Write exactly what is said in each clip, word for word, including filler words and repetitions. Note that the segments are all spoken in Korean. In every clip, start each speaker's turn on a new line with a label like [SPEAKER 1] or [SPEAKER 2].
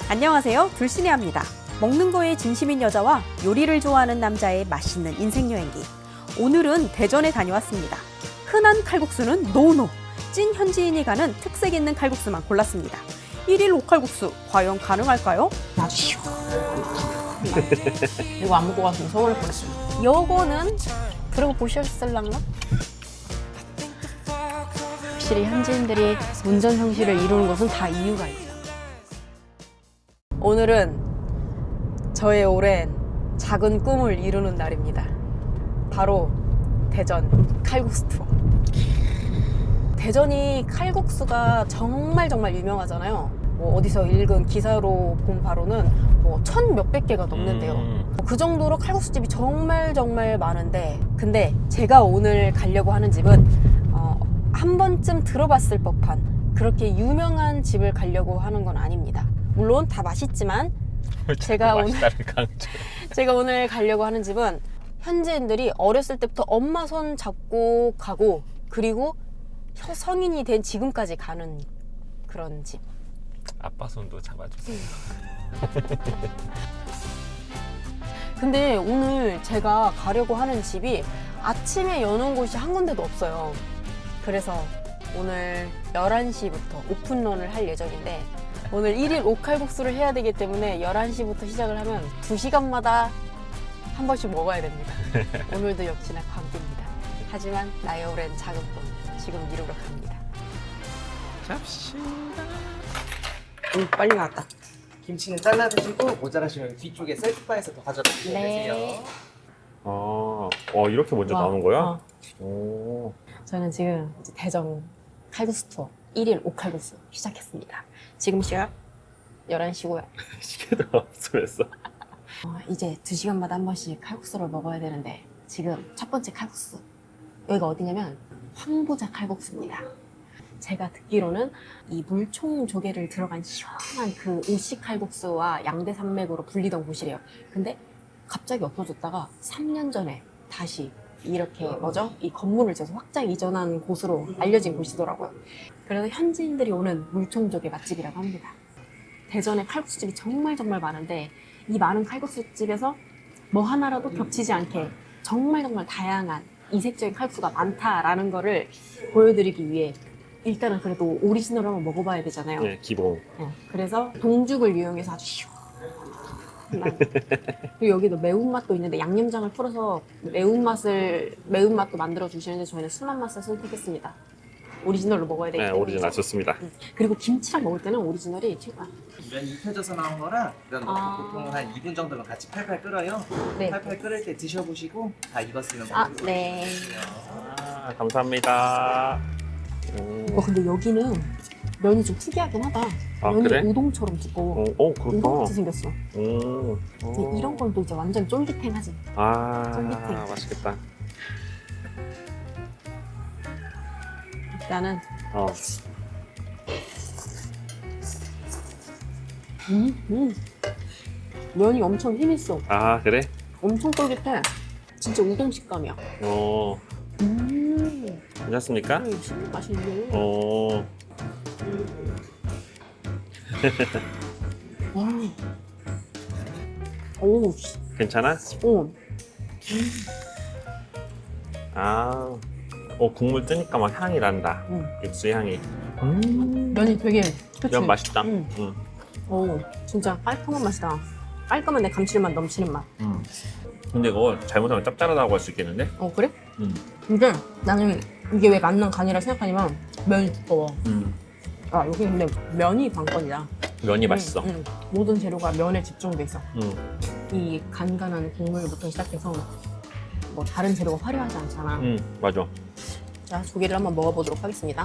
[SPEAKER 1] 안녕하세요, 둘신혜입니다. 먹는 거에 진심인 여자와 요리를 좋아하는 남자의 맛있는 인생 여행기. 오늘은 대전에 다녀왔습니다. 흔한 칼국수는 노노. 찐 현지인이 가는 특색 있는 칼국수만 골랐습니다. 일일 오칼국수 과연 가능할까요?
[SPEAKER 2] 아주 이거 안 먹고 갔으면 서운할 뻔했어요.
[SPEAKER 1] 요거는 그러고 보셨을랑가?
[SPEAKER 2] 확실히 현지인들이 문전 성시를 이루는 것은 다 이유가 있죠.
[SPEAKER 1] 오늘은 저의 오랜 작은 꿈을 이루는 날입니다. 바로 대전 칼국수 투어. 대전이 칼국수가 정말 정말 유명하잖아요. 뭐 어디서 읽은 기사로 본 바로는 뭐 천 몇백 개가 넘는데요.
[SPEAKER 3] 음.
[SPEAKER 1] 그 정도로 칼국수집이 정말 정말 많은데, 근데 제가 오늘 가려고 하는 집은 어, 한 번쯤 들어봤을 법한 그렇게 유명한 집을 가려고 하는 건 아닙니다. 물론 다 맛있지만 제가 오늘 제가 오늘 가려고 하는 집은 현지인들이 어렸을 때부터 엄마 손 잡고 가고, 그리고 성인이 된 지금까지 가는 그런 집.
[SPEAKER 3] 아빠 손도 잡아주세요.
[SPEAKER 1] 근데 오늘 제가 가려고 하는 집이 아침에 여는 곳이 한 군데도 없어요. 그래서 오늘 열한 시부터 오픈런을 할 예정인데, 오늘 일일 오칼국수를 해야 되기 때문에 열한 시부터 시작을 하면 두 시간마다 한 번씩 먹어야 됩니다. 오늘도 역시나 광기입니다. 하지만 나의 오랜 작은 꿈 지금 이루러 갑니다.
[SPEAKER 3] 잡시다.
[SPEAKER 2] 음, 빨리 나왔다.
[SPEAKER 4] 김치는 잘라 드시고 모자라시면 뒤쪽에 셀프바에서 더 가져가시면
[SPEAKER 1] 네.
[SPEAKER 4] 되세요.
[SPEAKER 3] 아, 어, 이렇게 먼저
[SPEAKER 2] 와,
[SPEAKER 3] 나오는 거야?
[SPEAKER 2] 어.
[SPEAKER 3] 오.
[SPEAKER 2] 저는 지금 이제 대전 칼국수 투어 일일 오칼국수 시작했습니다. 지금 시각 열한 시고요.
[SPEAKER 3] 시계도 없으면서.
[SPEAKER 2] 어, 이제 두 시간마다 한 번씩 칼국수를 먹어야 되는데, 지금 첫 번째 칼국수, 여기가 어디냐면 황보자 칼국수입니다. 제가 듣기로는 이 물총 조개를 들어간 시원한 그 오씨 칼국수와 양대 산맥으로 불리던 곳이래요. 근데 갑자기 없어졌다가 삼 년 전에 다시 이렇게 뭐죠? 이 건물을 지어서 확장 이전한 곳으로 알려진 곳이더라고요. 그래서 현지인들이 오는 물총 조개 맛집이라고 합니다. 대전에 칼국수집이 정말 정말 많은데, 이 많은 칼국수집에서 뭐 하나라도 겹치지 않게 정말 정말 다양한 이색적인 칼국수가 많다라는 거를 보여드리기 위해 일단은 그래도 오리지널을 한번 먹어봐야 되잖아요.
[SPEAKER 3] 네, 기본.
[SPEAKER 2] 네, 그래서 동죽을 이용해서 아주 시원한, 그리고 여기도 매운맛도 있는데 양념장을 풀어서 매운맛을 매운맛도 만들어 주시는데 저희는 순한 맛을 선택했습니다. 오리지널로 먹어야 되기
[SPEAKER 3] 네,
[SPEAKER 2] 때문에.
[SPEAKER 3] 오리지널 좋습니다.
[SPEAKER 2] 음, 그리고 김치랑 먹을 때는 오리지널이 최고야.
[SPEAKER 4] 면이 익혀져서 나온 거라 이런 거
[SPEAKER 2] 아.
[SPEAKER 4] 보통 한 이 분 정도는 같이 팔팔 끓어요.
[SPEAKER 2] 네.
[SPEAKER 4] 팔팔 끓을 때 드셔보시고 다 익었으면
[SPEAKER 2] 아,
[SPEAKER 4] 먹으세요.
[SPEAKER 2] 네.
[SPEAKER 3] 아, 감사합니다. 음.
[SPEAKER 2] 와, 근데 여기는 면이 좀 특이하긴 하다.
[SPEAKER 3] 아,
[SPEAKER 2] 면이
[SPEAKER 3] 그래?
[SPEAKER 2] 우동처럼 두꺼워.
[SPEAKER 3] 어, 어,
[SPEAKER 2] 우동같이
[SPEAKER 3] 그렇다.
[SPEAKER 2] 생겼어.
[SPEAKER 3] 음.
[SPEAKER 2] 근데
[SPEAKER 3] 어.
[SPEAKER 2] 이런 건 또 이제 완전 쫄깃해하지.
[SPEAKER 3] 아,
[SPEAKER 2] 쫄깃해.
[SPEAKER 3] 맛있겠다.
[SPEAKER 2] 나는
[SPEAKER 3] 어.
[SPEAKER 2] 음, 음. 면이 엄청 힘있어.
[SPEAKER 3] 아, 그래?
[SPEAKER 2] 엄청 쫄깃해. 진짜 우동 식감이야.
[SPEAKER 3] 어.
[SPEAKER 2] 음,
[SPEAKER 3] 괜찮습니까?
[SPEAKER 2] 음, 진짜 맛있네.
[SPEAKER 3] 어.
[SPEAKER 2] 와. 오, 씨.
[SPEAKER 3] 괜찮아?
[SPEAKER 2] 어.
[SPEAKER 3] 아. 어, 국물 뜨니까 막 향이 난다.
[SPEAKER 2] 음.
[SPEAKER 3] 육수 향이. 음.
[SPEAKER 2] 면이 되게, 그치?
[SPEAKER 3] 면 맛있다.
[SPEAKER 2] 음.
[SPEAKER 3] 음.
[SPEAKER 2] 오, 진짜 깔끔한 맛이다. 깔끔한데 감칠맛 넘치는 맛.
[SPEAKER 3] 음. 근데 이거 잘못하면 짭짤하다고 할 수 있겠는데?
[SPEAKER 2] 어, 그래?
[SPEAKER 3] 음.
[SPEAKER 2] 근데 나는 이게 왜 만난 간이라 생각하냐면 면이 두꺼워.
[SPEAKER 3] 음.
[SPEAKER 2] 아, 여기 근데 면이 관건이다.
[SPEAKER 3] 면이
[SPEAKER 2] 음,
[SPEAKER 3] 맛있어.
[SPEAKER 2] 음. 모든 재료가 면에 집중돼 있어.
[SPEAKER 3] 음.
[SPEAKER 2] 이 간간한 국물부터 시작해서 뭐 다른 재료가 화려하지 않잖아.
[SPEAKER 3] 음, 맞아.
[SPEAKER 2] 자, 조개를 한번 먹어보도록 하겠습니다.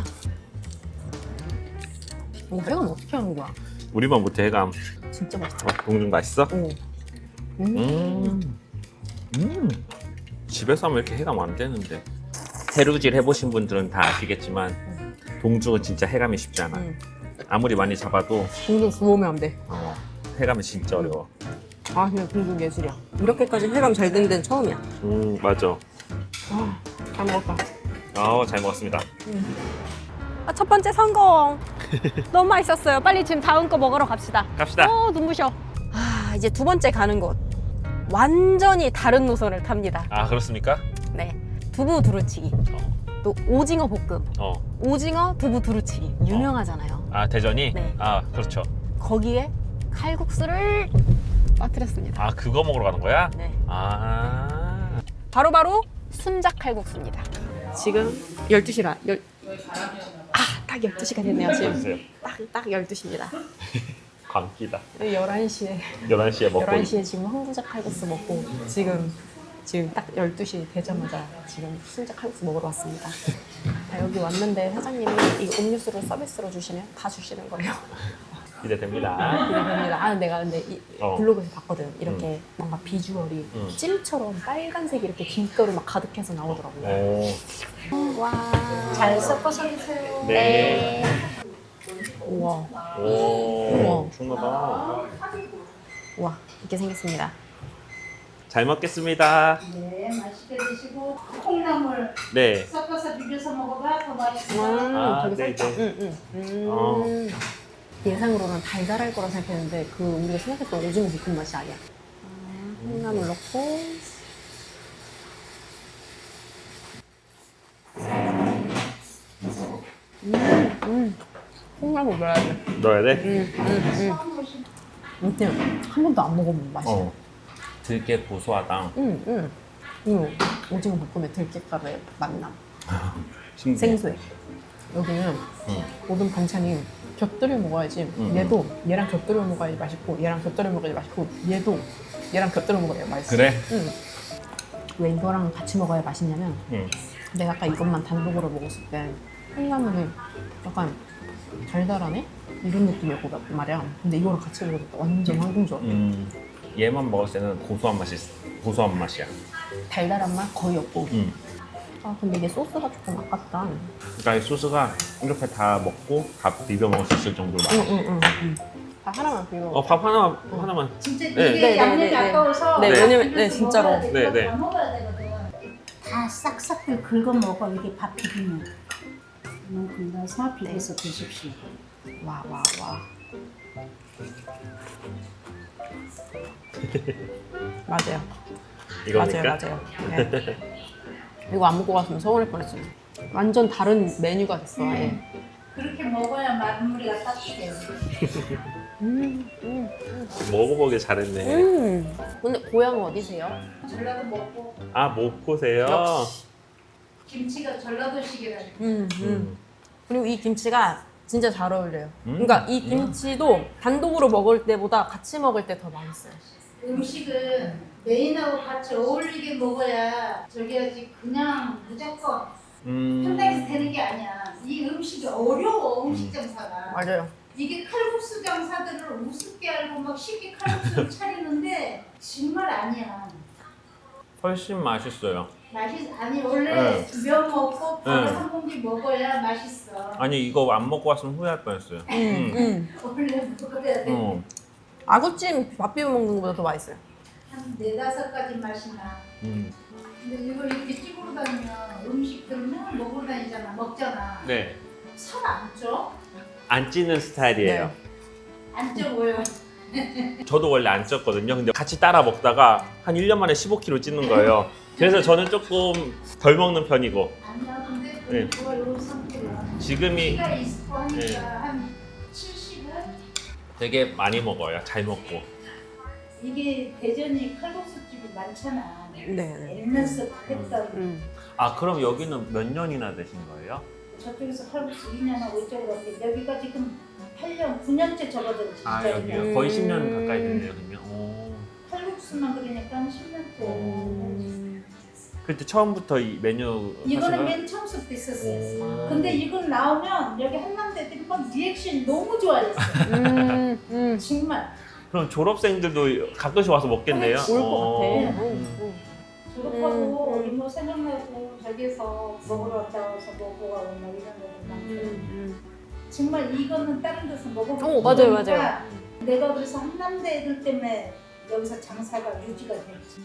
[SPEAKER 2] 이거 해감 어떻게 하는 거야?
[SPEAKER 3] 우리만 못해 해감.
[SPEAKER 2] 진짜 맛있다.
[SPEAKER 3] 어, 동중 맛있어?
[SPEAKER 2] 오. 음.
[SPEAKER 3] 음. 음. 집에서 하면 이렇게 해감 안 되는데. 해루질 해보신 분들은 다 아시겠지만 동중은 진짜 해감이 쉽지 않아.
[SPEAKER 2] 음.
[SPEAKER 3] 아무리 많이 잡아도
[SPEAKER 2] 동중 구우면 안 돼.
[SPEAKER 3] 어, 해감이 진짜 어려워.
[SPEAKER 2] 아, 그냥 동중 예술이야. 이렇게까지 해감 잘 된 데는 처음이야.
[SPEAKER 3] 음, 맞아.
[SPEAKER 2] 아, 잘 먹었다.
[SPEAKER 3] 아, 잘 먹었습니다.
[SPEAKER 1] 아, 첫 번째 성공! 너무 맛있었어요. 빨리 지금 다음 거 먹으러 갑시다.
[SPEAKER 3] 갑시다.
[SPEAKER 1] 어, 눈부셔. 아, 이제 두 번째 가는 곳. 완전히 다른 노선을 탑니다.
[SPEAKER 3] 아 그렇습니까?
[SPEAKER 1] 네. 두부 두루치기. 또 오징어 볶음.
[SPEAKER 3] 어.
[SPEAKER 1] 오징어 두부 두루치기. 유명하잖아요.
[SPEAKER 3] 아 대전이?
[SPEAKER 1] 네.
[SPEAKER 3] 아 그렇죠.
[SPEAKER 1] 거기에 칼국수를 빠뜨렸습니다.
[SPEAKER 3] 아 그거 먹으러 가는 거야?
[SPEAKER 1] 네.
[SPEAKER 3] 아.
[SPEAKER 1] 바로바로 순작 칼국수입니다. 지금 열두 시라. 열... 아, 딱 열두 시가 됐네요.
[SPEAKER 3] 보세요.
[SPEAKER 1] 지금 딱, 딱 열두 시입니다.
[SPEAKER 3] 광기다.
[SPEAKER 1] 열한 시에
[SPEAKER 3] 열한 시에 먹고.
[SPEAKER 1] 열한 시에 지금 황부작 칼국수 먹고 지금 지금 딱 열두 시 되자마자 지금 순작 칼국수 먹으러 왔습니다. 자, 여기 왔는데 사장님이 이 음료수를 서비스로 주시면 다 주시는 거예요.
[SPEAKER 3] 기대됩니다.
[SPEAKER 1] 기대됩니다. 아, 내가 근데 이
[SPEAKER 3] 어.
[SPEAKER 1] 블로그에서 봤거든. 이렇게 뭔가 비주얼이
[SPEAKER 3] 음.
[SPEAKER 1] 찜처럼 빨간색이 이렇게 김가루 막 가득해서 나오더라고요.
[SPEAKER 3] 오.
[SPEAKER 1] 와.
[SPEAKER 5] 잘 섞어서 드세요.
[SPEAKER 3] 네.
[SPEAKER 1] 우와.
[SPEAKER 3] 오.
[SPEAKER 1] 우와.
[SPEAKER 3] 충분하다.
[SPEAKER 1] 우와. 이렇게 생겼습니다.
[SPEAKER 3] 잘 먹겠습니다.
[SPEAKER 5] 네, 맛있게 드시고 콩나물
[SPEAKER 3] 네.
[SPEAKER 5] 섞어서 비벼서 먹어봐. 더 맛있어.
[SPEAKER 1] 음,
[SPEAKER 3] 아,
[SPEAKER 1] 되게
[SPEAKER 3] 네,
[SPEAKER 1] 살짝.
[SPEAKER 3] 네.
[SPEAKER 1] 음, 음. 음.
[SPEAKER 3] 어.
[SPEAKER 1] 예상으로는 달달할 거라 생각했는데 그 우리가 생각했던 오징어 볶음 맛이 아니야. 아, 콩나물 넣고. 음, 음. 콩나물 넣어야 돼.
[SPEAKER 3] 넣어야 돼?
[SPEAKER 1] 음, 음, 음. 근데 한 번도 안 먹어본 맛이야.
[SPEAKER 3] 어. 되게 고소하다.
[SPEAKER 1] 음, 음. 음. 오징어 볶음에 들깨가루의 맛나.
[SPEAKER 3] 신기해.
[SPEAKER 1] 생소해. 여기는
[SPEAKER 3] 음.
[SPEAKER 1] 모든 반찬이 곁들여 먹어야지.
[SPEAKER 3] 음.
[SPEAKER 1] 얘도 얘랑 곁들여 먹어야지 맛있고, 얘랑 곁들여 먹어야지 맛있고, 얘도 얘랑 곁들여 먹어야 맛있어.
[SPEAKER 3] 그래?
[SPEAKER 1] 응. 왜 이거랑 같이 먹어야 맛있냐면,
[SPEAKER 3] 응.
[SPEAKER 1] 내가 아까 이것만 단독으로 먹었을 때 콩나물이 약간 달달하네? 이런 느낌이었고 말이야. 근데 이거랑 같이 먹으니까 완전 황금조합.
[SPEAKER 3] 음. 얘만 먹을 때는 고소한 맛이 있어. 고소한 맛이야.
[SPEAKER 1] 달달한 맛 거의 없고.
[SPEAKER 3] 음.
[SPEAKER 1] 아 근데 이게 소스가 조금 아깝다.
[SPEAKER 3] 그러니까 이 소스가 이렇게 다 먹고 밥 비벼 먹을 수 있을 정도로 맛있어.
[SPEAKER 1] 응응응. 응. 다 하나만 비벼.
[SPEAKER 3] 어, 밥 하나 하나만.
[SPEAKER 5] 진짜 이게
[SPEAKER 3] 네.
[SPEAKER 1] 네,
[SPEAKER 5] 양념이
[SPEAKER 1] 네, 네, 네.
[SPEAKER 5] 아까워서
[SPEAKER 1] 네,
[SPEAKER 3] 왜냐면-
[SPEAKER 1] 네, 진짜로.
[SPEAKER 3] 네, 네.
[SPEAKER 5] 다 먹어야 되거든. 다 싹싹 긁어 먹어. 이게 밥 비비면. 이만큼 넣어서 비벼서 드십시오.
[SPEAKER 1] 와, 와, 와. 맞아요.
[SPEAKER 3] 이거니까.
[SPEAKER 1] 맞아요, 맞아요. 네. 이거 안 먹고 갔으면 서운할 뻔했어요. 완전 다른 메뉴가 됐어, 아예.
[SPEAKER 5] 그렇게 먹어야 마무리가 따뜻해요.
[SPEAKER 1] 음, 음,
[SPEAKER 3] 먹어보길 잘했네.
[SPEAKER 1] 음. 근데 고향 어디세요?
[SPEAKER 5] 전라도 먹고
[SPEAKER 3] 아, 목포세요?
[SPEAKER 1] 역시.
[SPEAKER 5] 김치가 전라도식이라니.
[SPEAKER 1] 음, 음.
[SPEAKER 3] 음.
[SPEAKER 1] 그리고 이 김치가 진짜 잘 어울려요.
[SPEAKER 3] 음.
[SPEAKER 1] 그러니까 이 김치도 단독으로 먹을 때보다 같이 먹을 때 더 맛있어요.
[SPEAKER 5] 음식은 메인하고 같이 어울리게 먹어야 저기 하지 그냥 무조건 한당에서
[SPEAKER 3] 음.
[SPEAKER 5] 되는 게 아니야. 이 음식이 어려워 음식 장사가.
[SPEAKER 1] 맞아요.
[SPEAKER 5] 이게 칼국수 장사들을 우습게 알고 막 쉽게 칼국수를 차리는데 정말 아니야.
[SPEAKER 3] 훨씬 맛있어요.
[SPEAKER 5] 맛이 아니 원래
[SPEAKER 3] 네.
[SPEAKER 5] 면 먹고 밥을
[SPEAKER 3] 네.
[SPEAKER 5] 한 공기 먹어야 맛있어.
[SPEAKER 3] 아니 이거 안 먹고 왔으면 후회할 뻔했어요.
[SPEAKER 1] 음, 음.
[SPEAKER 5] 원래 먹어야 돼.
[SPEAKER 3] 어.
[SPEAKER 1] 아구찜 밥 비벼 먹는 것보다 더 맛있어요.
[SPEAKER 5] 한 네다섯 가지 맛이 나.
[SPEAKER 3] 음.
[SPEAKER 5] 근데 이걸 이렇게 찍으러 다니면 음식들은 먹으러 다니잖아, 먹잖아.
[SPEAKER 3] 네.
[SPEAKER 5] 살 안 쪄?
[SPEAKER 3] 안 찌는 스타일이에요.
[SPEAKER 5] 안 쪄 보여.
[SPEAKER 3] 저도 원래 안 쪘거든요. 근데 같이 따라 먹다가 한 일 년 만에 십오 킬로그램 찌는 거예요. 그래서 저는 조금 덜 먹는 편이고
[SPEAKER 5] 아니야, 근데
[SPEAKER 3] 네.
[SPEAKER 5] 그거 이런 상태야.
[SPEAKER 3] 지금이
[SPEAKER 5] 키가 있고 하니까
[SPEAKER 3] 네.
[SPEAKER 5] 한 칠십은
[SPEAKER 3] 되게 많이 먹어요. 잘 먹고.
[SPEAKER 5] 이게 대전이 칼국수집이 많잖아.
[SPEAKER 1] 네, 네.
[SPEAKER 5] 옛날서 했던
[SPEAKER 1] 음.
[SPEAKER 3] 아 그럼 여기는 몇 년이나 되신 거예요?
[SPEAKER 5] 저쪽에서 칼국수 이 년 하고 이쪽으로 왔는데 여기가 지금 팔 년, 구 년째 접어들었지.
[SPEAKER 3] 아
[SPEAKER 5] 진짜
[SPEAKER 3] 여기요?
[SPEAKER 5] 그냥.
[SPEAKER 3] 거의 십 년 가까이 됐네요. 그러면. 오.
[SPEAKER 5] 칼국수만 그러니까 한 십 년째.
[SPEAKER 1] 음.
[SPEAKER 3] 그때 처음부터 이 메뉴 하신
[SPEAKER 5] 이거는
[SPEAKER 3] 거예요?
[SPEAKER 5] 맨 처음부터 있었어.
[SPEAKER 3] 오.
[SPEAKER 5] 근데 이건 나오면 여기 한남대들이 막 리액션이 너무 좋아했어.
[SPEAKER 1] 음, 음.
[SPEAKER 5] 정말.
[SPEAKER 3] 그럼 졸업생들도 가끔씩 와서 먹겠네요?
[SPEAKER 5] 그렇지.
[SPEAKER 1] 올 것
[SPEAKER 3] 어.
[SPEAKER 1] 같아.
[SPEAKER 3] 음.
[SPEAKER 1] 음, 음.
[SPEAKER 5] 졸업하고
[SPEAKER 1] 음.
[SPEAKER 5] 이모 생각나고 저기서 먹으러 왔다 와서 먹고 가고 막 이런 데도 많고.
[SPEAKER 1] 음.
[SPEAKER 5] 정말 이거는 다른 데서 먹어보고
[SPEAKER 1] 어, 맞아요,
[SPEAKER 5] 그러니까
[SPEAKER 1] 맞아요.
[SPEAKER 5] 내가 그래서 한남대 애들 때문에 여기서 장사가 유지가 됐지.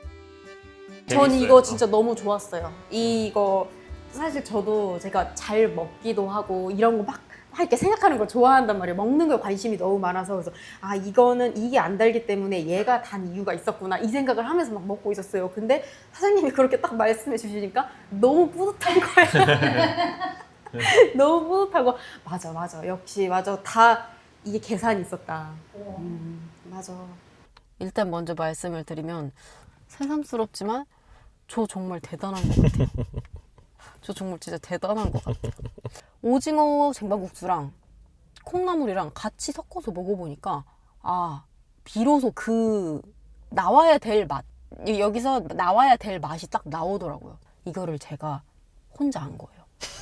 [SPEAKER 1] 전
[SPEAKER 3] 재밌어요.
[SPEAKER 1] 이거 진짜 너무 좋았어요. 이거 사실 저도 제가 잘 먹기도 하고 이런 거 막 막 이렇게 생각하는 걸 좋아한단 말이에요. 먹는 거에 관심이 너무 많아서. 그래서 아 이거는 이게 안 달기 때문에 얘가 단 이유가 있었구나 이 생각을 하면서 막 먹고 있었어요. 근데 사장님이 그렇게 딱 말씀해 주시니까 너무 뿌듯한 거예요. 너무 뿌듯하고 맞아 맞아 역시 맞아 다 이게 계산이 있었다. 음, 맞아. 일단 먼저 말씀을 드리면 새삼스럽지만 저 정말 대단한 것 같아요. 저 정말 진짜 대단한 것 같아요. 오징어 쟁반국수랑 콩나물이랑 같이 섞어서 먹어보니까 아 비로소 그 나와야 될 맛, 여기서 나와야 될 맛이 딱 나오더라고요. 이거를 제가 혼자 한 거예요.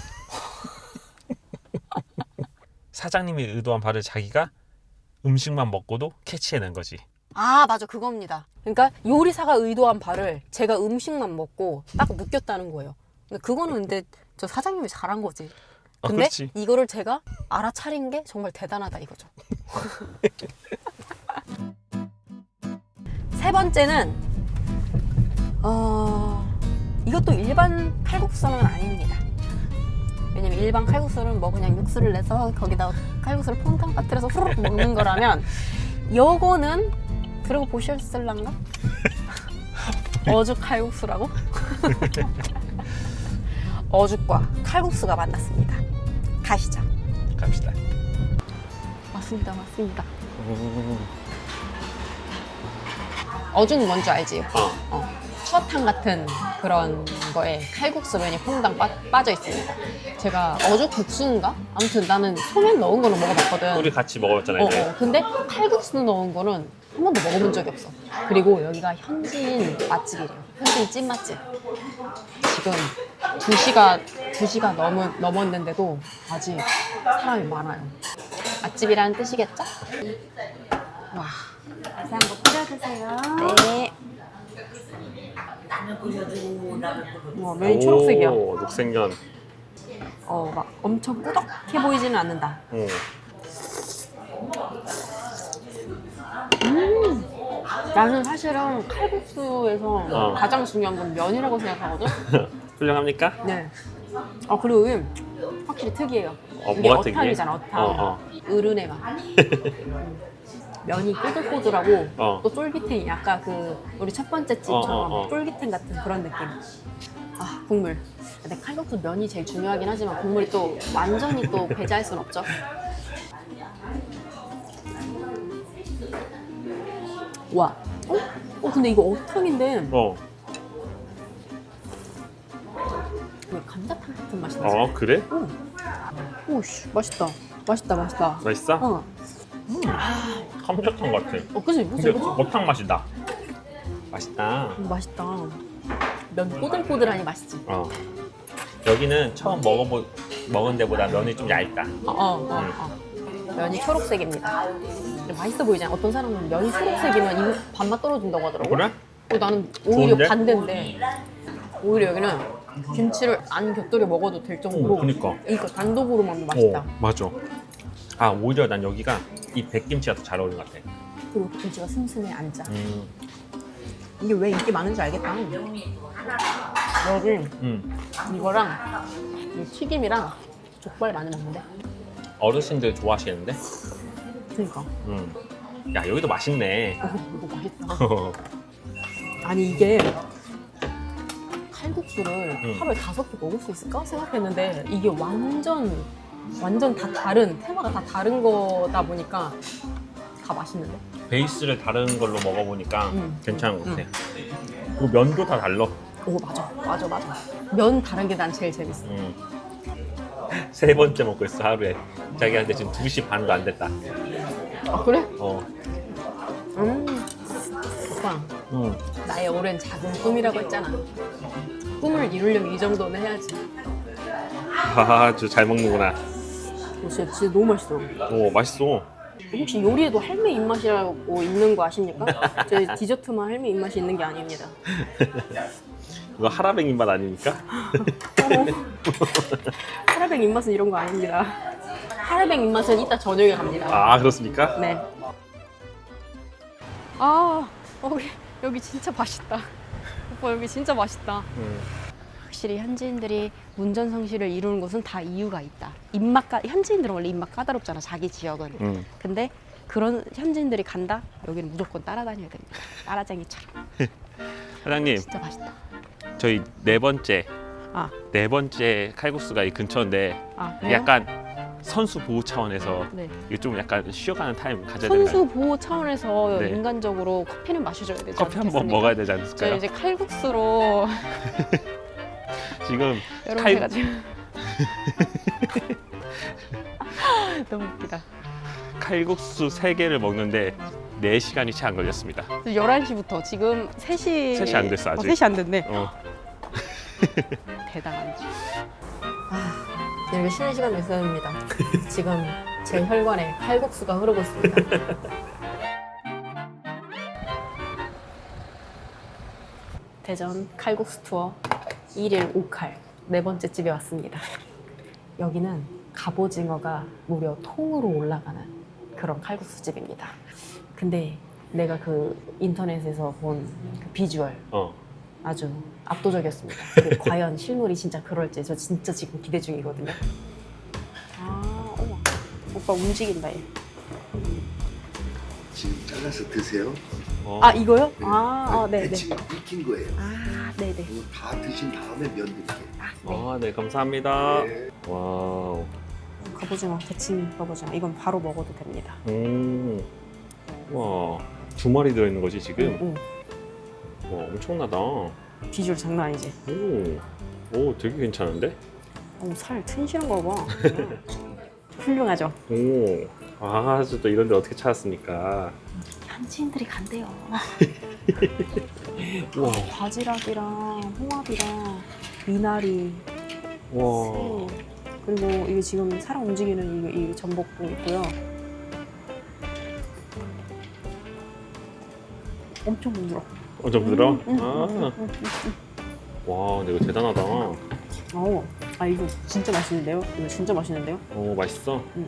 [SPEAKER 3] 사장님이 의도한 바를 자기가 음식만 먹고도 캐치해낸 거지.
[SPEAKER 1] 아 맞아 그겁니다. 그러니까 요리사가 의도한 바를 제가 음식만 먹고 딱 느꼈다는 거예요. 근데 그거는 근데 저 사장님이 잘한 거지.
[SPEAKER 3] 어,
[SPEAKER 1] 근데
[SPEAKER 3] 그렇지.
[SPEAKER 1] 이거를 제가 알아차린 게 정말 대단하다 이거죠. 세 번째는 어 이것도 일반 칼국수는 아닙니다. 왜냐면 일반 칼국수는 뭐 그냥 육수를 내서 거기다 칼국수를 퐁당 빠뜨려서 후루룩 먹는 거라면 요거는 들어보셨을란가? 어죽 칼국수라고? 어죽과 칼국수가 만났습니다. 가시죠.
[SPEAKER 3] 갑시다.
[SPEAKER 1] 맞습니다, 맞습니다. 어죽 뭔지 알지?
[SPEAKER 3] 어.
[SPEAKER 1] 어. 추어탕 같은 그런 거에 칼국수 면이 퐁당 빠, 빠져 있습니다. 제가 어죽 국수인가? 아무튼 나는 소면 넣은 거는 먹어봤거든.
[SPEAKER 3] 우리 같이 먹어봤잖아
[SPEAKER 1] 어,
[SPEAKER 3] 이제.
[SPEAKER 1] 어. 근데 칼국수 넣은 거는 한 번도 먹어본 적이 없어. 그리고 여기가 현지인 맛집이래요. 현지인 찐 맛집. 지금 두 시가 두 시가 넘 넘었는데도 아직 사람이 많아요. 맛집이라는 뜻이겠죠? 와.
[SPEAKER 5] 다시 한번 뿌려 드세요.
[SPEAKER 1] 네. 와, 면이 초록색이야.
[SPEAKER 3] 오, 녹색면.
[SPEAKER 1] 어, 막 엄청 꾸덕해 보이지는 않는다.
[SPEAKER 3] 응.
[SPEAKER 1] 나는 사실은 칼국수에서
[SPEAKER 3] 어.
[SPEAKER 1] 가장 중요한 건 면이라고 생각하거든.
[SPEAKER 3] 훌륭합니까?
[SPEAKER 1] 네. 아 그리고 이게 확실히 특이해요.
[SPEAKER 3] 어,
[SPEAKER 1] 이게
[SPEAKER 3] 뭐가 특이해?
[SPEAKER 1] 어탕이잖아, 어탕.
[SPEAKER 3] 어, 어.
[SPEAKER 1] 어른의 맛. 음. 면이 꼬들꼬들하고
[SPEAKER 3] 어.
[SPEAKER 1] 또 쫄깃해. 약간 그 우리 첫 번째 집처럼
[SPEAKER 3] 어, 어, 어.
[SPEAKER 1] 쫄깃한 같은 그런 느낌. 아 국물. 근데 칼국수 면이 제일 중요하긴 하지만 국물이 또 완전히 또 배제할 순 없죠. 와. 어? 어 근데 이거 어탕인데
[SPEAKER 3] 어.
[SPEAKER 1] 왜 감자탕 같은 맛이 나지?
[SPEAKER 3] 어 그래?
[SPEAKER 1] 오. 오씨 맛있다. 맛있다 맛있다.
[SPEAKER 3] 맛있어?
[SPEAKER 1] 어.
[SPEAKER 3] 감자탕 같아.
[SPEAKER 1] 어 그치 그치
[SPEAKER 3] 근데
[SPEAKER 1] 그치.
[SPEAKER 3] 어탕 맛이 나. 맛있다.
[SPEAKER 1] 음, 맛있다. 면 꼬들꼬들하니 맛있지.
[SPEAKER 3] 어. 여기는 처음 먹어보 먹은 데보다 면이 좀 얇다.
[SPEAKER 1] 어, 어, 어, 어. 면이 초록색입니다. 근데 맛있어 보이잖아. 어떤 사람은 면이 초록색이면 이 밥맛 떨어진다고 하더라고.
[SPEAKER 3] 그래?
[SPEAKER 1] 어, 나는 오히려
[SPEAKER 3] 좋은데?
[SPEAKER 1] 반대인데 오히려 여기는 김치를 안 곁들여 먹어도 될 정도로
[SPEAKER 3] 오, 그니까.
[SPEAKER 1] 이거 단독으로 먹으면 맛있다.
[SPEAKER 3] 어, 맞아. 아 오히려 난 여기가 이 백김치가 더 잘 어울리는 것 같아.
[SPEAKER 1] 그리고 김치가 슴슴해 앉아.
[SPEAKER 3] 음,
[SPEAKER 1] 이게 왜 인기 많은지 알겠다. 여기
[SPEAKER 3] 음.
[SPEAKER 1] 이거랑 이 튀김이랑 족발 많이 먹는데.
[SPEAKER 3] 어르신들 좋아하시겠는데?
[SPEAKER 1] 그러니까.
[SPEAKER 3] 음. 야 여기도 맛있네.
[SPEAKER 1] 어, 이거 맛있다. 아니 이게 칼국수를
[SPEAKER 3] 응.
[SPEAKER 1] 하루에 다섯 개 먹을 수 있을까 생각했는데 이게 완전 완전 다 다른 테마가 다 다른 거다 보니까 다 맛있는데.
[SPEAKER 3] 베이스를 다른 걸로 먹어보니까
[SPEAKER 1] 음.
[SPEAKER 3] 괜찮은 것 같아. 그리고 면도 다 달라.
[SPEAKER 1] 오 맞아 맞아 맞아. 면 다른 게 난 제일 재밌어.
[SPEAKER 3] 음. 세 번째 먹고 있어 하루에. 자기한테 지금 두 시 반도 안 됐다.
[SPEAKER 1] 아 그래?
[SPEAKER 3] 어.
[SPEAKER 1] 음 오빠
[SPEAKER 3] 음.
[SPEAKER 1] 나의 오랜 작은 꿈이라고 했잖아. 꿈을 이루려면 이 정도는 해야지.
[SPEAKER 3] 아주 잘 먹는구나.
[SPEAKER 1] 어, 진짜, 진짜 너무 맛있어.
[SPEAKER 3] 오 맛있어.
[SPEAKER 1] 혹시 요리에도 할매 입맛이라고 있는 거 아십니까? 저희 디저트만 할매 입맛이 있는 게 아닙니다.
[SPEAKER 3] 이거 하라뱅 입맛 아닙니까?
[SPEAKER 1] 하라뱅 입맛은 이런 거 아닙니다. 하라뱅 입맛은 이따 저녁에 갑니다.
[SPEAKER 3] 아 그렇습니까?
[SPEAKER 1] 네. 아 여기 여기 진짜 맛있다. 오빠 여기 진짜 맛있다.
[SPEAKER 3] 음.
[SPEAKER 1] 확실히 현지인들이 문전 성시를 이루는 곳은 다 이유가 있다. 입맛 까 현지인들은 원래 입맛 까다롭잖아, 자기 지역은.
[SPEAKER 3] 음.
[SPEAKER 1] 근데 그런 현지인들이 간다? 여기는 무조건 따라다녀야 됩니다. 따라쟁이처럼.
[SPEAKER 3] 사장님,
[SPEAKER 1] 진짜 맛있다.
[SPEAKER 3] 저희 네 번째
[SPEAKER 1] 아,
[SPEAKER 3] 네 번째 칼국수가 이 근처인데
[SPEAKER 1] 아 그래요?
[SPEAKER 3] 약간 선수 보호 차원에서
[SPEAKER 1] 네.
[SPEAKER 3] 이거 좀 약간 쉬어가는 타임 가져야 되나요?
[SPEAKER 1] 선수 보호 차원에서
[SPEAKER 3] 네.
[SPEAKER 1] 인간적으로 커피는 마셔줘야 되지
[SPEAKER 3] 커피 한 번
[SPEAKER 1] 않겠습니까?
[SPEAKER 3] 먹어야 되지
[SPEAKER 1] 저희
[SPEAKER 3] 않을까요?
[SPEAKER 1] 이제 칼국수로
[SPEAKER 3] 지금
[SPEAKER 1] 여러분
[SPEAKER 3] 칼-
[SPEAKER 1] 제가 지금 너무 웃기다.
[SPEAKER 3] 칼국수 세 개를 먹는데 네 시간이 채 안 걸렸습니다.
[SPEAKER 1] 열한 시부터 지금 세 시
[SPEAKER 3] 세 시 안 됐어, 아직.
[SPEAKER 1] 어, 세 시 안 됐네.
[SPEAKER 3] 어.
[SPEAKER 1] 대단한. 아, 이렇게 쉬는 시간 있어야합니다. 지금 제 혈관에 칼국수가 흐르고 있습니다. 대전 칼국수 투어 일일 오 칼 네 번째 집에 왔습니다. 여기는 갑오징어가 무려 통으로 올라가는 그런 칼국수 집입니다. 근데 내가 그 인터넷에서 본 그 비주얼
[SPEAKER 3] 어.
[SPEAKER 1] 아주 압도적이었습니다. 그 과연 실물이 진짜 그럴지 저 진짜 지금 기대 중이거든요. 아, 어머. 오빠 움직인다 얘.
[SPEAKER 6] 지금 잘라서 드세요.
[SPEAKER 3] 어.
[SPEAKER 1] 아 이거요? 아, 아 네네.
[SPEAKER 6] 배치 익힌 거예요.
[SPEAKER 1] 아 네네.
[SPEAKER 6] 이거 다 드신 다음에 면 드릴게요.
[SPEAKER 1] 아, 네.
[SPEAKER 3] 아, 네, 감사합니다.
[SPEAKER 6] 네.
[SPEAKER 3] 와우.
[SPEAKER 1] 갑오징어, 데친 갑오징어. 이건 바로 먹어도 됩니다.
[SPEAKER 3] 음. 와, 두 마리 들어있는 거지, 지금?
[SPEAKER 1] 응,
[SPEAKER 3] 와, 엄청나다. 오,
[SPEAKER 1] 응. 비주얼 장난 아니지?
[SPEAKER 3] 오, 되게 괜찮은데?
[SPEAKER 1] 어머, 살 튼실한 거 봐. 훌륭하죠?
[SPEAKER 3] 오, 아, 또 이런 데 어떻게 찾았습니까?
[SPEAKER 1] 현지인들이 간대요.
[SPEAKER 3] 와,
[SPEAKER 1] 바지락이랑 홍합이랑 미나리,
[SPEAKER 3] 와.
[SPEAKER 1] 새, 그리고 이게 지금 사람 움직이는 이, 이 전복도 있고요. 엄청 부드러.
[SPEAKER 3] 완전 부드러?
[SPEAKER 1] 음, 음,
[SPEAKER 3] 아,
[SPEAKER 1] 음, 음, 음.
[SPEAKER 3] 와, 근데 이거 대단하다.
[SPEAKER 1] 어, 아 이거 진짜 맛있는데요? 이거 진짜 맛있는데요?
[SPEAKER 3] 오, 맛있어?
[SPEAKER 1] 음.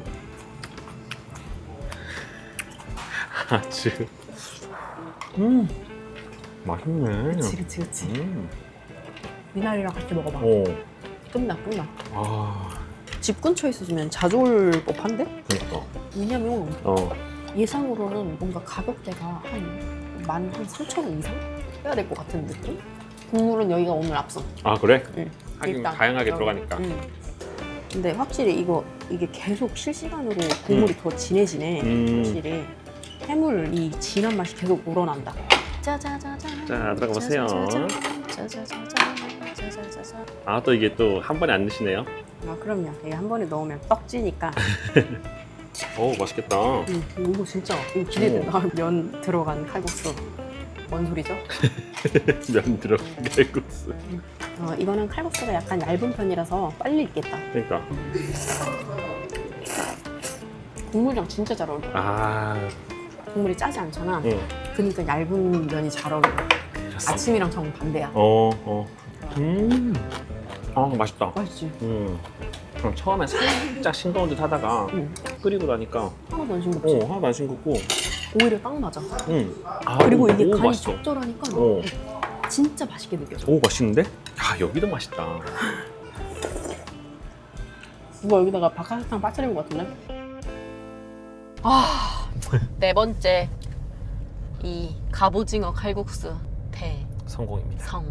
[SPEAKER 3] 아주. 음, 맛있네.
[SPEAKER 1] 그치 그치 그치.
[SPEAKER 3] 음,
[SPEAKER 1] 미나리랑 같이 먹어봐.
[SPEAKER 3] 오,
[SPEAKER 1] 끝나 끝나.
[SPEAKER 3] 아,
[SPEAKER 1] 집 근처에 있어주면 자주 올 법한데?
[SPEAKER 3] 그니까.
[SPEAKER 1] 왜냐면
[SPEAKER 3] 어,
[SPEAKER 1] 예상으로는 뭔가 가격대가 한 만 한 삼천 원 이상 해야 될 것 같은 느낌? 국물은 여기가 오늘 앞서.
[SPEAKER 3] 아, 그래?
[SPEAKER 1] 응.
[SPEAKER 3] 하긴
[SPEAKER 1] 일단
[SPEAKER 3] 다양하게
[SPEAKER 1] 여기.
[SPEAKER 3] 들어가니까.
[SPEAKER 1] 응. 근데 확실히 이거 이게 계속 실시간으로 국물이 더 진해지네.
[SPEAKER 3] 음.
[SPEAKER 1] 확실히 해물 이 진한 맛이 계속 우러난다. 짜자자자.
[SPEAKER 3] 자, 들어가 보세요.
[SPEAKER 1] 짜자자자.
[SPEAKER 3] 아, 또 이게 또 한 번에 안 드시네요?
[SPEAKER 1] 아 그럼요. 이게 한 번에 넣으면 떡지니까.
[SPEAKER 3] 오, 맛있겠다.
[SPEAKER 1] 음, 이거 진짜 이거 기대된다. 면 들어간 칼국수. 뭔 소리죠?
[SPEAKER 3] 면 들어간 칼국수.
[SPEAKER 1] 어, 이거는 칼국수가 약간 얇은 편이라서 빨리 익겠다.
[SPEAKER 3] 그러니까.
[SPEAKER 1] 국물이랑 진짜 잘 어울려.
[SPEAKER 3] 아,
[SPEAKER 1] 국물이 짜지 않잖아.
[SPEAKER 3] 응.
[SPEAKER 1] 그러니까 얇은 면이 잘 어울려. 아침이랑 정 반대야.
[SPEAKER 3] 어, 어. 음. 아, 맛있다.
[SPEAKER 1] 맛있지?
[SPEAKER 3] 음. 그럼 처음에 살짝 싱거운 듯 하다가
[SPEAKER 1] 응.
[SPEAKER 3] 끓이고 나니까
[SPEAKER 1] 하나도 안 싱겁지?
[SPEAKER 3] 어, 하나도 안 싱겁고.
[SPEAKER 1] 오히려 딱 맞아.
[SPEAKER 3] 음. 아,
[SPEAKER 1] 그리고
[SPEAKER 3] 오,
[SPEAKER 1] 이게
[SPEAKER 3] 오,
[SPEAKER 1] 간이
[SPEAKER 3] 맛있어.
[SPEAKER 1] 적절하니까
[SPEAKER 3] 어.
[SPEAKER 1] 진짜 맛있게 느껴져.
[SPEAKER 3] 오, 맛있는데? 야, 여기도 맛있다.
[SPEAKER 1] 누가 여기다가 박하사탕 빠뜨린 것 같은데? 아, 네 번째 이 갑오징어 칼국수
[SPEAKER 3] 성공입니다.
[SPEAKER 1] 대성공.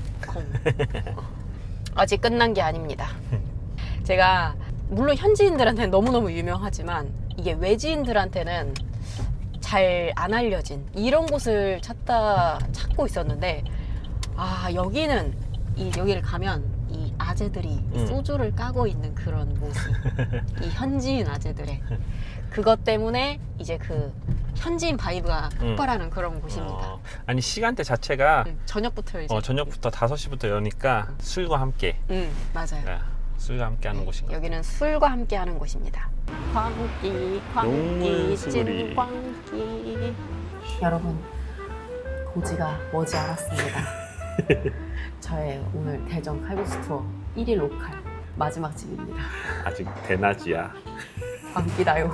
[SPEAKER 1] 아직 끝난 게 아닙니다. 제가 물론 현지인들한테는 너무너무 유명하지만 이게 외지인들한테는 잘 안 알려진 이런 곳을 찾다 찾고 있었는데 아 여기는 이 여기를 가면 이 아재들이
[SPEAKER 3] 음.
[SPEAKER 1] 소주를 까고 있는 그런 모습 이 현지인 아재들의 그것 때문에 이제 그 현지인 바이브가
[SPEAKER 3] 음.
[SPEAKER 1] 폭발하는 그런 곳입니다.
[SPEAKER 3] 어, 아니 시간대 자체가
[SPEAKER 1] 음, 저녁부터 이제
[SPEAKER 3] 어, 저녁부터 다섯 시부터 여니까 술과 함께
[SPEAKER 1] 음 맞아요.
[SPEAKER 3] 야, 술과 함께 하는
[SPEAKER 1] 네,
[SPEAKER 3] 곳인 것 같아요.
[SPEAKER 1] 여기는 술과 함께 하는 곳입니다. 광기, 광기,
[SPEAKER 3] 용문수리.
[SPEAKER 1] 찐광기. 여러분, 고지가 머지 않았습니다. 저의 오늘 대전 칼국수 투어 일일 오 칼 마지막 집입니다.
[SPEAKER 3] 아직 대낮이야.
[SPEAKER 1] 광기다요.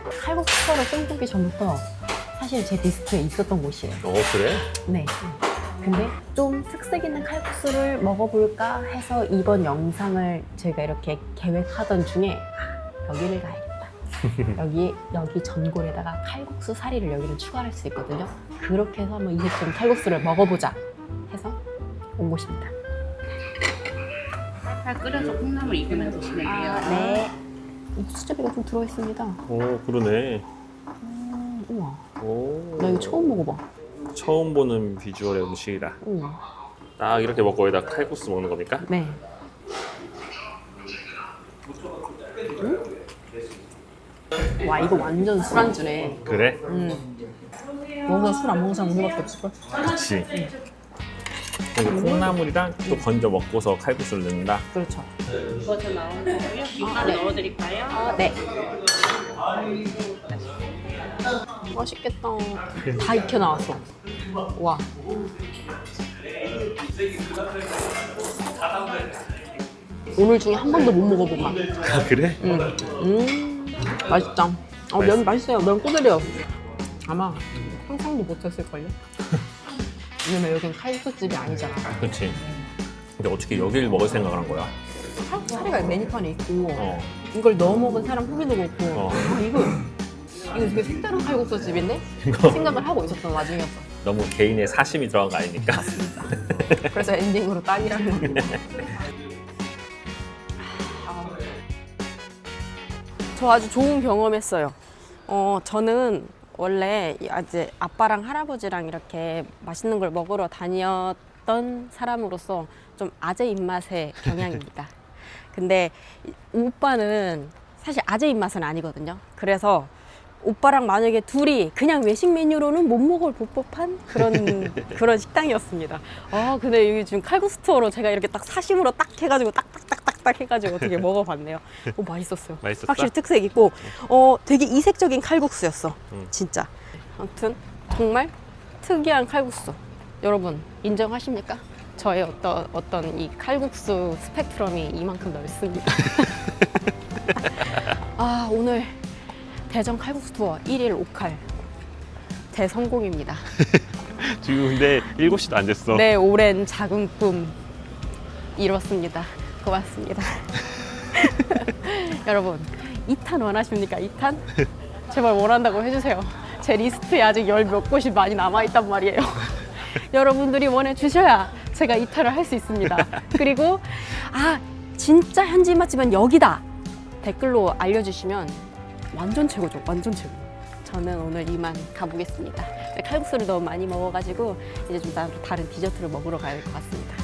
[SPEAKER 1] 칼국수 투어를 꿈꾸기 전부터 사실 제 리스트에 있었던 곳이에요.
[SPEAKER 3] 어, 그래?
[SPEAKER 1] 네.
[SPEAKER 2] 근데 좀 특색 있는 칼국수를 먹어볼까 해서 이번 영상을 제가 이렇게 계획하던 중에 아, 여기를 가야겠다. 여기 여기 전골에다가 칼국수 사리를 여기는 추가할 수 있거든요. 그렇게 해서 한번 이색적인 칼국수를 먹어보자 해서 온 곳입니다.
[SPEAKER 7] 팔팔 끓여서 콩나물 익으면 드시면 돼요.
[SPEAKER 2] 아, 네. 이 수제비가 좀 들어있습니다.
[SPEAKER 3] 오, 그러네.
[SPEAKER 2] 음, 우와.
[SPEAKER 3] 오.
[SPEAKER 2] 나 이거 처음 먹어봐.
[SPEAKER 3] 처음 보는 비주얼의 음식이다.
[SPEAKER 2] 음.
[SPEAKER 3] 딱 이렇게 먹고 여기다 칼국수 먹는 겁니까?
[SPEAKER 2] 네. 음? 와 이거 완전 술안주네.
[SPEAKER 3] 그래?
[SPEAKER 2] 음. 먹어서 술 안 먹는 사람 우리밖에 없을걸?
[SPEAKER 3] 그치. 그리고 콩나물이랑 또 건져 먹고서 칼국수를 넣는다.
[SPEAKER 2] 그렇죠.
[SPEAKER 7] 익어서 나온 거고요. 김가루
[SPEAKER 2] 네.
[SPEAKER 7] 넣어드릴까요?
[SPEAKER 2] 아, 네. 맛있겠다. 다 익혀 나왔어. 와. 오늘 중에 한 번도 못 먹어본 맛.
[SPEAKER 3] 아, 그래?
[SPEAKER 2] 음, 음 맛있다. 어, 면 맛있어요. 면 꼬들려. 아마 상상도 못했을걸요? 왜냐면 여긴 칼국수집이 아니잖아.
[SPEAKER 3] 그치. 근데 어떻게 여기를 먹을 생각을 한 거야?
[SPEAKER 2] 칼국수 사리가 메뉴판에 있고
[SPEAKER 3] 어.
[SPEAKER 2] 이걸 넣어 먹은 사람 후기도 그렇고
[SPEAKER 3] 어.
[SPEAKER 2] 아 이거 이거 되게 색다른 칼국수 집인데
[SPEAKER 3] 이거
[SPEAKER 2] 생각을 하고 있었던 와중이었어.
[SPEAKER 3] 너무 개인의 사심이 들어간 거 아니니까.
[SPEAKER 2] 그래서 엔딩으로 딱이라는 거.
[SPEAKER 1] 저 아주 좋은 경험했어요. 어, 저는 원래 이제 아빠랑 할아버지랑 이렇게 맛있는 걸 먹으러 다녔던 사람으로서 좀 아재 입맛의 경향입니다. 근데 이- 오빠는 사실 아재 입맛은 아니거든요. 그래서 오빠랑 만약에 둘이 그냥 외식 메뉴로는 못 먹을 법한 그런 그런 식당이었습니다. 아 근데 여기 지금 칼국수 투어로 제가 이렇게 딱 사심으로 딱 해가지고 딱딱딱딱딱 해가지고 어떻게 먹어봤네요. 오 맛있었어요.
[SPEAKER 3] 맛있었어?
[SPEAKER 1] 확실히 특색 있고 어 되게 이색적인 칼국수였어.
[SPEAKER 3] 음.
[SPEAKER 1] 진짜. 아무튼 정말 특이한 칼국수. 여러분 인정하십니까? 저의 어떤 어떤 이 칼국수 스펙트럼이 이만큼 넓습니다. 아 오늘 대전 칼국수 투어 일 일 오 칼 대성공입니다.
[SPEAKER 3] 지금 근데 일곱 시도 안 됐어.
[SPEAKER 1] 내 오랜 작은 꿈 이뤘습니다. 고맙습니다. 여러분 이 탄 원하십니까? 이 탄? 제발 원한다고 해주세요. 제 리스트에 아직 열 몇 곳이 많이 남아있단 말이에요. 여러분들이 원해주셔야 제가 이 탄을 할 수 있습니다. 그리고 아 진짜 현지 맛집은 여기다 댓글로 알려주시면 완전 최고죠. 완전 최고. 저는 오늘 이만 가보겠습니다. 칼국수를 너무 많이 먹어가지고 이제 좀 다른 디저트를 먹으러 가야 될 것 같습니다.